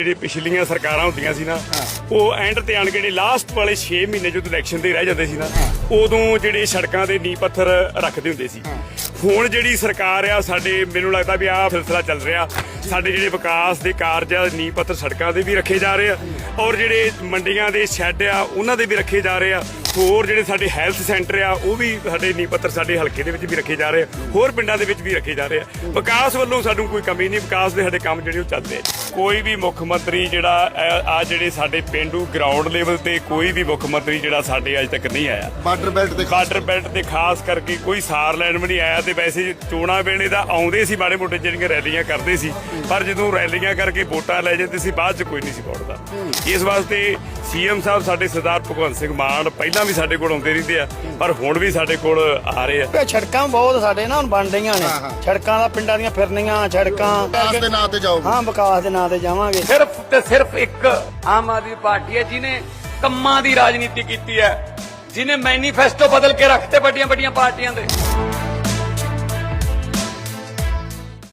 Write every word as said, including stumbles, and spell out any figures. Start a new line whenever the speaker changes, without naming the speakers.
ਜਿਹੜੀ ਪਿਛਲੀਆਂ ਸਰਕਾਰਾਂ ਹੁੰਦੀਆਂ ਸੀ ਨਾ ਉਹ ਐਂਡ ਤੇ ਆਣ ਕੇ ਜਿਹੜੇ ਲਾਸਟ ਵਾਲੇ ਛੇ ਮਹੀਨੇ ਜਦੋਂ ਇਲੈਕਸ਼ਨ ਦੇ ਰਹਿ ਜਾਂਦੇ ਸੀ ਨਾ ਉਦੋਂ ਜਿਹੜੇ ਸੜਕਾਂ ਦੇ ਨੀਂਹ ਪੱਥਰ ਰੱਖਦੇ ਹੁੰਦੇ ਸੀ। ਹੁਣ ਜਿਹੜੀ ਸਰਕਾਰ ਆ ਸਾਡੇ ਮੈਨੂੰ ਲੱਗਦਾ ਵੀ ਆਹ ਸਿਲਸਿਲਾ ਚੱਲ ਰਿਹਾ, ਸਾਡੇ ਜਿਹੜੇ ਵਿਕਾਸ ਦੇ ਕਾਰਜ ਆ ਨੀਂਹ ਪੱਥਰ ਸੜਕਾਂ ਦੇ ਵੀ ਰੱਖੇ ਜਾ ਰਹੇ ਆ ਔਰ ਜਿਹੜੇ ਮੰਡੀਆਂ ਦੇ ਸ਼ੈੱਡ ਆ ਉਹਨਾਂ ਦੇ ਵੀ ਰੱਖੇ ਜਾ ਰਹੇ ਆ। ਹੋਰ ਜਿਹੜੇ ਸਾਡੇ ਹੈਲਥ ਸੈਂਟਰ ਆ ਉਹ ਵੀ ਸਾਡੇ ਨੀਂਹ ਪੱਥਰ ਸਾਡੇ ਹਲਕੇ ਦੇ ਵਿੱਚ ਵੀ ਰੱਖੇ ਜਾ ਰਹੇ ਆ, ਹੋਰ ਪਿੰਡਾਂ ਦੇ ਵਿੱਚ ਵੀ ਰੱਖੇ ਜਾ ਰਹੇ ਆ। ਵਿਕਾਸ ਵੱਲੋਂ ਸਾਨੂੰ ਕੋਈ ਕਮੀ ਨਹੀਂ, ਵਿਕਾਸ ਦੇ ਸਾਡੇ ਕੰਮ ਜਿਹੜੇ ਉਹ ਚੱਲਦੇ ਆ। ਕੋਈ ਵੀ ਮੁੱਖ ਮੰਤਰੀ ਜਿਹੜਾ ਆ ਜਿਹੜੇ ਸਾਡੇ ਪਿੰਡੂ ਗਰਾਊਂਡ ਲੈਵਲ ਤੇ ਕੋਈ ਵੀ ਮੁੱਖ ਮੰਤਰੀ ਜਿਹੜਾ ਸਾਡੇ ਅੱਜ ਤੱਕ ਨਹੀਂ ਆਇਆ।
ਬਾਰਡਰ ਬੈਲਟ ਤੇ
ਬਾਰਡਰ ਬੈਲਟ ਤੇ ਖਾਸ ਕਰਕੇ ਕੋਈ ਸਾਰ ਲੈਣ ਵੀ ਨਹੀਂ ਆਇਆ। ਤੇ ਵੈਸੇ ਚੋਣਾਂ ਵੇਲੇ ਦਾ ਆਉਂਦੇ ਸੀ ਮਾੜੇ ਮੋਟੇ ਜਿਹੜੀਆਂ ਰੈਲੀਆਂ ਕਰਦੇ ਸੀ, ਪਰ ਜਦੋਂ ਰੈਲੀਆਂ ਕਰਕੇ ਵੋਟਾਂ ਲੈ ਜਾਂਦੇ ਸੀ ਬਾਅਦ ਚ ਕੋਈ ਨਹੀਂ ਸੀ ਪਹੁੰਚਦਾ। ਇਸ ਵਾਸਤੇ ਸੀਐਮ ਸਾਹਿਬ ਸਾਡੇ ਸਰਦਾਰ ਭਗਵੰਤ ਸਿੰਘ ਮਾਨ ਪਹਿਲਾਂ ਵੀ ਸਾਡੇ ਕੋਲ ਆਉਂਦੇ ਰਹਿੰਦੇ ਆ, ਪਰ ਹੁਣ ਵੀ ਸਾਡੇ ਕੋਲ ਆ ਰਹੇ ਆ।
ਸੜਕਾਂ ਬਹੁਤ ਸਾਡੇ ਨਾ ਹੁਣ ਬਣ ਰਹੀਆਂ ਨੇ, ਸੜਕਾਂ ਦਾ ਪਿੰਡਾਂ ਦੀਆਂ ਫਿਰਨੀਆਂ ਸੜਕਾਂ
ਵਿਕਾਸ ਦੇ ਨਾਂ ਤੇ ਜਾਓਗੇ।
ਹਾਂ ਵਿਕਾਸ ਦੇ ਨਾਂ ਤੇ ਜਾਵਾਂਗੇ।
ਸਿਰਫ ਤੇ ਸਿਰਫ ਇੱਕ ਆਮ ਆਦਮੀ ਪਾਰਟੀ ਹੈ ਜਿਹਨੇ ਕੰਮਾਂ ਦੀ ਰਾਜਨੀਤੀ ਕੀਤੀ ਹੈ, ਜਿਹਨੇ ਮੈਨੀਫੈਸਟੋ ਬਦਲ ਕੇ ਰੱਖਤੇ ਵੱਡੀਆਂ ਵੱਡੀਆਂ ਪਾਰਟੀਆਂ ਦੇ।